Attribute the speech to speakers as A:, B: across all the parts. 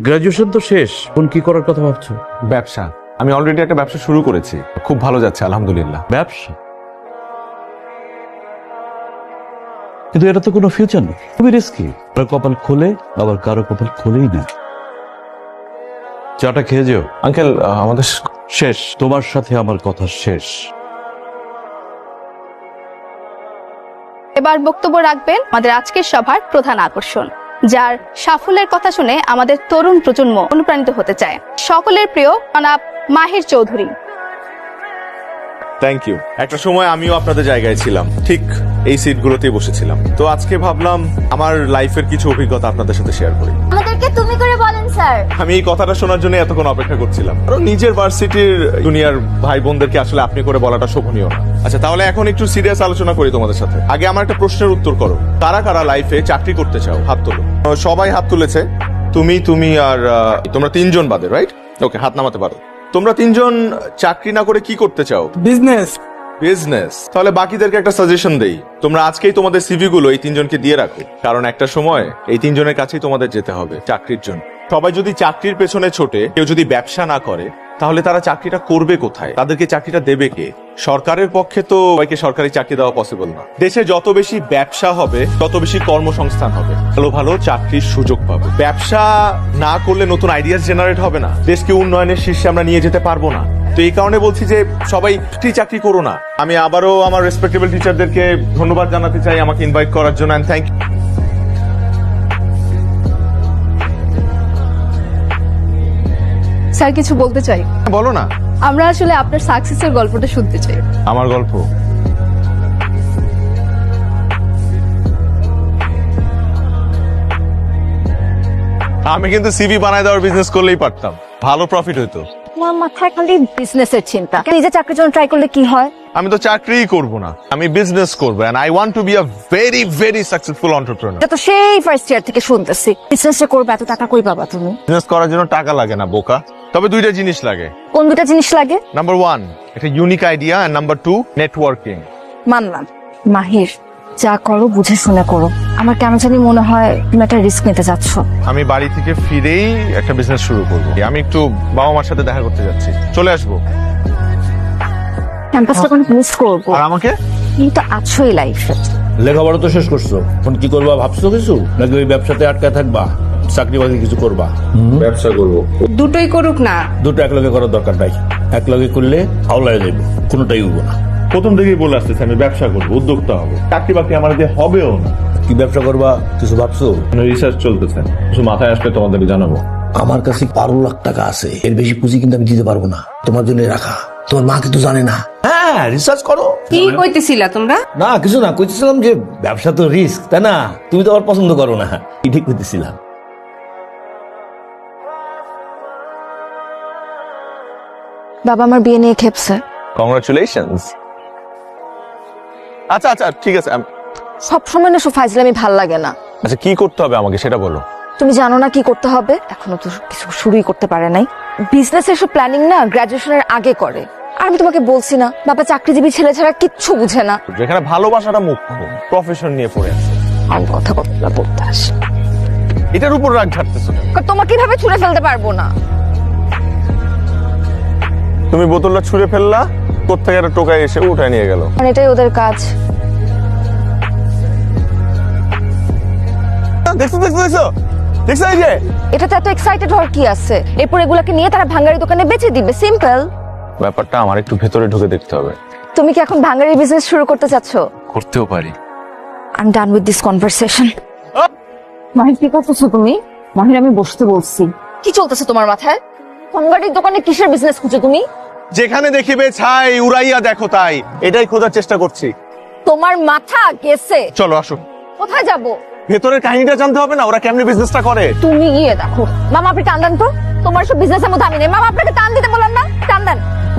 A: Graduation তো শেষ, এখন কি করার কথা ভাবছো?
B: ব্যবসা। আমি অলরেডি একটা ব্যবসা শুরু করেছি, খুব ভালো যাচ্ছে আলহামদুলিল্লাহ।
A: ব্যবসা? কিন্তু এটা তো কোনো ফিউচার নেই, খুবই রিস্কি। কারো কপাল খোলে, আবার কারো কপাল খোলেই না। চাটা খেয়ে যেও।
B: আঙ্কেল আমাদের
A: শেষ, তোমার সাথে আমার কথা শেষ।
C: এবার বক্তব্য রাখবেন আমাদের আজকের সভার প্রধান আকর্ষণ, যার সাফল্যের কথা শুনে আমাদের তরুণ প্রজন্ম অনুপ্রাণিত হতে চায়। সকলের প্রিয় জনাব মাহির চৌধুরী।
B: Thank you. একটা সময় আমিও আপনাদের জায়গায় ছিলাম, ঠিক এই সিটগুলোতেই বসেছিলাম। তো আজকে ভাবলাম আমার লাইফের কিছু অভিজ্ঞতা আপনাদের সাথে শেয়ার করি।
D: আমাদেরকে তুমি করে বলেন স্যার।
B: আমি এই কথাটা শোনার জন্য এতক্ষণ অপেক্ষা করছিলাম, কারণ নিজের ভার্সিটির জুনিয়র ভাই বোনদেরকে আসলে আপনি করে বলাটা শোভনীয় না। আচ্ছা, তাহলে এখন একটু সিরিয়াস আলোচনা করি তোমাদের সাথে। আগে আমার একটা প্রশ্নের উত্তর করো, কারা কারা লাইফে চাকরি করতে চাও? হাত তোলো। সবাই হাত তুলেছে। তুমি আর তোমরা তিনজন বাদে, রাইট? ওকে, হাত নামাতে পারো। তোমরা তিনজন চাকরি না করে কি করতে চাও?
E: বিজনেস।
B: বিজনেস। তাহলে বাকিদেরকে একটা সাজেশন দেই, তোমরা আজকেই তোমাদের সিভি গুলো এই তিনজনকে দিয়ে রাখো, কারণ একটা সময় এই তিনজনের কাছেই তোমাদের যেতে হবে চাকরির জন্য। সবাই যদি চাকরির পেছনে ছোটে, কেউ যদি ব্যবসা না করে, তাহলে তারা চাকরিটা করবে কোথায়? তাদেরকে চাকরিটা দেবে কে? সরকারের পক্ষে তো সবাইকে সরকারি চাকরি দেওয়া পসিবল না। দেশে যত বেশি ব্যবসা হবে, তত বেশি কর্মসংস্থান হবে, ভালো ভালো চাকরির সুযোগ পাবে। ব্যবসা না করলে নতুন আইডিয়াস জেনারেট হবে না, দেশকে উন্নয়নের শীর্ষে আমরা নিয়ে যেতে পারবো না। তো এই কারণে বলছি যে সবাই চাকরি করো না। আমি আবারও আমার রেসপেক্টেবল টিচারদেরকে ধন্যবাদ জানাতে চাই আমাকে ইনভাইট করার জন্য, এন্ড থ্যাংক ইউ।
C: স্যার কিছু বলতে চাই।
B: বলো না।
C: আমরা আসলে আপনার সাকসেসের গল্পটা শুনতে চাই।
B: আমার গল্প? আমি কিন্তু সিভি বানায় দেওয়ার বিজনেস করলেই পারতাম, ভালো প্রফিট হইতো।
D: আমার মাথায় খালি বিজনেসের চিন্তা। নিজে চাকরির জন্য ট্রাই করলে কি হয়?
B: আমি তো চাকরিই করব না, আমি বিজনেস করব, and I want to be a very very successful entrepreneur.
D: এটা তো সেই ফার্স্ট ইয়ার থেকে শুনতেছি। বিজনেসটা করবে, এত টাকা কই পাবা তুমি?
B: বিজনেস করার জন্য টাকা লাগে না বোকা, তবে দুইটা জিনিস লাগে।
D: কোন দুটা জিনিস লাগে?
B: নাম্বার 1 একটা unique idea, and number 2 networking.
D: মানলাম। মাহির, যা করো বুঝে শুনে করো। আমার কেন জানি মনে হয় তুমি একটা রিস্ক নিতে যাচ্ছ।
B: আমি বাড়ি থেকে ফিরেই একটা বিজনেস শুরু করব। আমি একটু বাবা মার সাথে দেখা করতে যাচ্ছি, চলে আসবো।
D: ক্যাম্পাসটা কোনো মিস করবো।
B: আর আমাকে?
D: তুমি তো আছোই লাইফে।
A: লেখাপড়া তো শেষ করছো, এখন কি করবা ভাবছো কিছু, নাকি ওই ব্যবসাতে আটকায় থাকবা? চাকরি বাকরি কিছু করবা?
B: ব্যবসা করব।
F: দুটোই করুক না।
A: দুটো একলগে করার দরকার নাই, একলগে করলে হাওলায় যাইব, কোনোটাই উঠবো না।
G: প্রথম থেকেই বলে আসতেছে আমি ব্যবসা করবো, উদ্যোক্তা হবো। চাকরি বাকরি আমার দিয়ে হবেও না।
A: কি ব্যবসা করবা কিছু ভাবছো?
G: রিসার্চ চলতেছে, কিছু মাথায় আসলে তোমাদেরকে জানাবো।
H: আমার কাছে 12 লাখ টাকা আছে, এর বেশি পুঁজি কিন্তু আমি দিতে পারবো না। তোমার জন্য রাখা, তোমার মা কিন্তু জানে না।
A: হ্যাঁ, রিসার্চ করো।
F: কি কইতেছিলা তোমরা?
A: না কিছু না, কইতেছিলাম যে ব্যবসা তো রিস্ক, তাই না? তুমি তো আবার পছন্দ করো না, ঠিক কইতেছিলাম।
D: বাবা আমার বিয়ে নিয়ে খেপছে।
B: কংগ্রাচুলেশনস। আচ্ছা আচ্ছা ঠিক আছে।
D: সবসময় না সব ফাইজলামি ভাল লাগে না।
B: আচ্ছা কি করতে হবে আমাকে সেটা বলো।
D: তুমি জানো না কি করতে হবে? এখনো তো কিছু শুরুই করতে পারে নাই। বিজনেসের সব প্ল্যানিং না গ্রাজুয়েশনের আগে করে। আর আমি তোমাকে বলছি না, বাবা চাকরিজীবী ছেলে ছাড়া কিচ্ছু বুঝে না।
B: যেখানে ভালোবাসাটা মুখ্য, প্রফেশন নিয়ে পড়ে আছে।
D: আমি কথা বলতে আসি,
B: এটার উপর রাগ ঝাড়তেছো কেন?
D: তোমাকে কিভাবে ছুঁড়ে ফেলতে পারবো না।
B: তুমি বোতলটা ছুঁড়ে ফেললা, কোত্থেকে একটা টোকায় এসে উঠায় নিয়ে গেল।
D: আর এটাই ওদের কাজ।
B: দেখছো দেখছো দেখছো দেখছো, এই যে
D: এটাতে এত এক্সাইটেড হওয়ার কি আছে? এরপর এগুলাকে নিয়ে তারা ভাঙ্গারি দোকানে বেচে দিবে, সিম্পল।
B: ব্যাপারটা আমার একটু ভেতরে ঢুকে দেখতে হবে।
D: তুমি কি এখন ভাঙ্গারি বিজনেস শুরু করতে চাচ্ছ?
B: করতেও পারি।
D: I am done with this conversation. Mahir কি করতেছো তুমি? মাহির আমি বসতে বলছি। কি চলতেছে তোমার মাথায়? ভাঙ্গারির দোকানে কিসের বিজনেস খুঁজো তুমি?
B: যেখানে দেখিবে ছাই উড়াইয়া দেখো তাই, এটাই খোঁজার চেষ্টা করছি।
D: তোমার মাথা গেছে।
B: চলো আসো।
D: কোথায় যাব?
B: ভেতরের কাহিনীটা জানতে হবে না, ওরা কেমনে বিজনেসটা করে।
D: তুমি গিয়ে দেখো। মামা আপনি টান দেন তো, তোমার সব বিজনেসের মধ্যে আমি নেই। মামা আপনাকে টান দিতে বললাম না, টান দেন।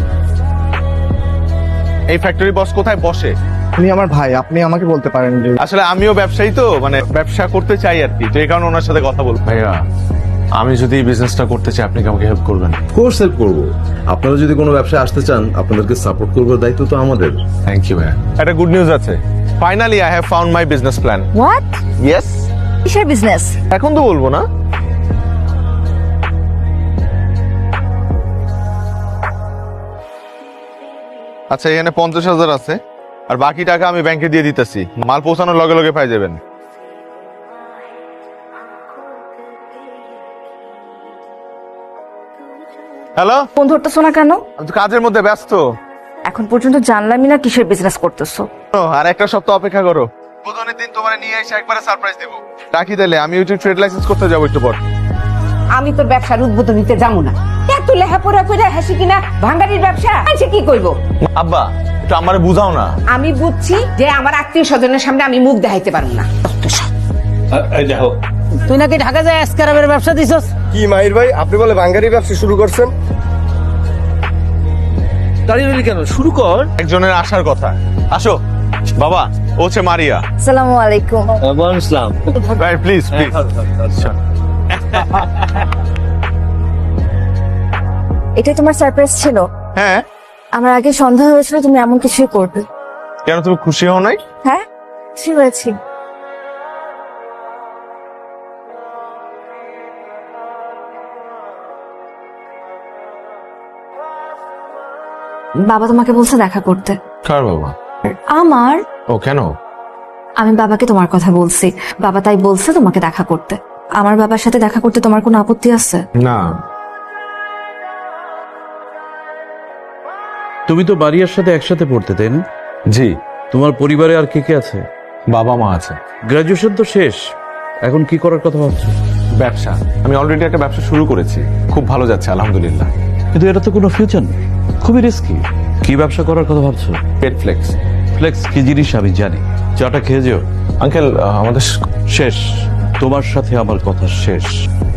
B: এই ফ্যাক্টরি বস কোথায় বসে?
E: আপনি আমার ভাই, আপনি আমাকে বলতে পারেন যে
B: আসলে আমিও ব্যবসায়ী, তো মানে ব্যবসা করতে চাই আর কি, তো এই কারণে ওনার সাথে কথা বলবো। ভাইয়া আমি যদি এই বিজনেসটা করতে চাই, আপনি কি আমাকে হেল্প করবেন?
I: কোর্স হেল্প করবো। আপনারা যদি কোনো ব্যবসায় আসতে চান, আপনাদেরকে সাপোর্ট করবার দায়িত্ব তো আমাদের।
B: থ্যাংক ইউ ভাইয়া। একটা গুড নিউজ আছে, finally I have found my business plan.
D: What?
B: Yes.
D: কিসের বিজনেস?
B: এখন তো বলবো না। আচ্ছা, এখানে 50,000 আছে, আর বাকি টাকা আমি ব্যাংকে দিয়ে দিতেছি। মাল পৌঁছানোর লগে লগে পাই যাবেন। হ্যালো,
D: ফোন ধরতেছো না কেন?
B: আমি তো কাজের মধ্যে ব্যস্ত।
D: এখন পর্যন্ত জানলামই না কিসের বিজনেস করতেছো।
B: আর একটা সপ্তাহ অপেক্ষা করো, বুধনের দিন তোমার নিয়ে এসে একবারে সারপ্রাইজ দেবো। রাখি তাহলে, আমি ওই ট্রেড লাইসেন্স করতে যাবো একটু পর।
F: আমি তোর ব্যবসার উদ্বোধন দিতে যাবো না। এত লেখাপড়া করে হাসি কিনা ভাঙ্গারির ব্যবসা আছে, কি করবো?
B: আব্বা, একটু আমারে বুঝাও না।
F: আমি বুঝছি যে আমার আত্মীয় স্বজনের সামনে আমি মুখ দেখাইতে পারবো না।
J: তুই নাকি ঢাকা যায় আজকারাবের ব্যবসা দিছস?
E: কি মাহির ভাই, আপনি বলে বাঙ্গারি ব্যবসা শুরু করছেন?
J: দাঁড়িয়ে রইলি কেন? শুরু কর।
B: একজনের আসার কথা। আসো বাবা, ও হচ্ছে মারিয়া।
D: আসসালামু আলাইকুম।
J: ওয়ালাইকুম আসসালাম।
B: ভাই প্লিজ প্লিজ।
D: এটাই তোমার সারপ্রাইজ ছিল?
B: হ্যাঁ,
D: আমার আগে সন্দেহ হয়েছিল তুমি এমন কিছুই করবে।
B: কেন তুমি খুশি হও নাই?
D: হ্যাঁ, খুশি হয়েছি। বাবা তোমাকে বলছে দেখা করতে।
B: কার বাবা?
D: আমার।
B: ও কেন?
D: আমি বাবাকে তোমার কথা বলছি, বাবা তাই বলছে তোমাকে দেখা করতে। আমার বাবার সাথে দেখা করতে তোমার কোনো আপত্তি আছে?
B: না।
A: তুমি তো বাড়িয়ার সাথে একসাথে পড়তে, তাই না?
B: জি।
A: তোমার পরিবারে আর কে কে আছে?
B: বাবা মা আছে।
A: গ্রাজুয়েশন তো শেষ, এখন কি করার কথা ভাবছো?
B: ব্যবসা, আমি অলরেডি একটা ব্যবসা শুরু করেছি, খুব ভালো যাচ্ছে আলহামদুলিল্লাহ।
A: কিন্তু এটা তো কোনো ফিউচার নেই, খুবই রিস্কি। কি ব্যবসা করার কথা ভাবছো?
B: পেট ফ্লেক্স।
A: ফ্লেক্স কি জিনিস আমি জানি, চাটা খেয়ে যেও।
B: আঙ্কেল, আমাদের
A: শেষ, তোমার সাথে আমার কথা শেষ।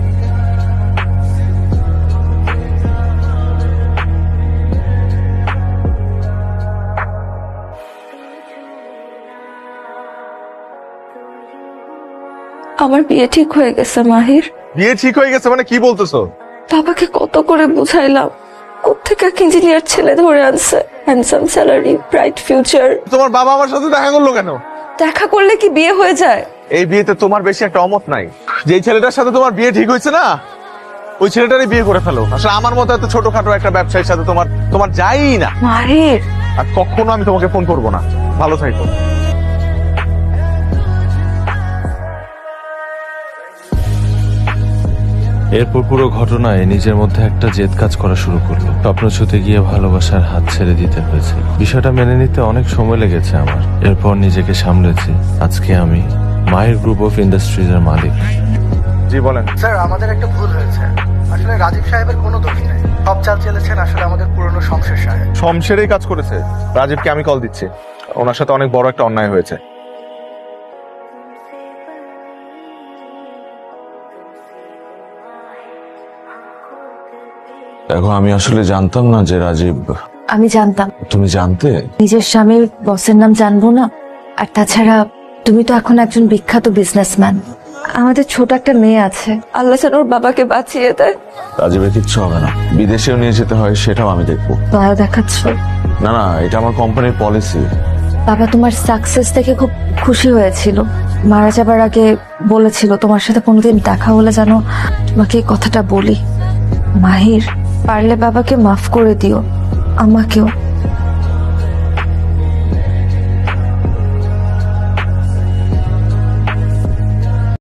D: আমার বিয়ে ঠিক হয়ে গেছে মাহির।
B: বিয়ে ঠিক হয়ে গেছে মানে কি বলতেছো?
D: বাবাকে কত করে বুঝাইলাম, কোত্থেকে এক ইঞ্জিনিয়ার ছেলে ধরে আনছে, হ্যান্ডসাম স্যালারি, ব্রাইট ফিউচার।
B: তোমার বাবা আমার সাথে দেখা করলো কেন?
D: দেখা করলে কি বিয়ে হয়ে যায়?
B: এই বিয়েতে তোমার বেশি একটা অমত নাই। যেই ছেলেটার সাথে তোমার বিয়ে ঠিক হয়েছে না, ওই ছেলেটারই বিয়ে করে ফেলো। আসলে আমার মতো এত ছোটখাটো একটা ব্যবসায়ীর সাথে তোমার যাই না।
D: মাহির,
B: আর কখনো আমি তোমাকে ফোন করবো না। ভালো থাকো।
K: এরপর পুরো ঘটনায় নিজের মধ্যে একটা জেদ কাজ করা শুরু করলো। স্বপ্ন ছুতে গিয়ে ভালোবাসার হাত ছেড়ে দিতে হয়েছে। বিষয়টা মেনে নিতে অনেক সময় লেগেছে আমার। এরপর নিজেকে সামলেছি। আজকে আমি মাহির গ্রুপ অফ ইন্ডাস্ট্রিজ এর মালিক।
B: জি বলেন।
E: স্যার, আমাদের একটা ভুল হয়েছে। আসলে রাজীব সাহেবের কোনো দোষ নেই, সব চাল চেলেছেন আসলে আমাদের পুরনো শমশের সাহেব।
B: শমশেরই কাজ করেছে। রাজীবকে আমি কল দিচ্ছি, ওনার সাথে অনেক বড় একটা অন্যায় হয়েছে।
K: দেখো, আমি আসলে জানতাম না যে রাজীব।
D: আমি জানতাম।
K: তুমি জানতে?
D: নিজের স্বামীর বসের নাম জানবো না? আর তাছাড়া তুমি তো এখন একজন বিখ্যাত বিজনেসম্যান। আমাদের ছোট একটা মেয়ে আছে, আল্লাহ যেন ওর বাবাকে বাঁচিয়ে দেয়।
K: রাজীবের কিচ্ছু হবে না, বিদেশেও নিয়ে যেতে হয় সেটাও আমি দেখবো।
D: দয়া দেখাচ্ছ?
K: না না, এটা আমার কোম্পানির পলিসি।
D: বাবা তোমার সাকসেস দেখে খুব খুশি হয়েছিল। মারা যাবার আগে বলেছিল তোমার সাথে কোনোদিন দেখা হলে যেন তোমাকে এই কথাটা বলি। মাহির, পারলে বাবাকে মাফ করে দিও, আমাকেও।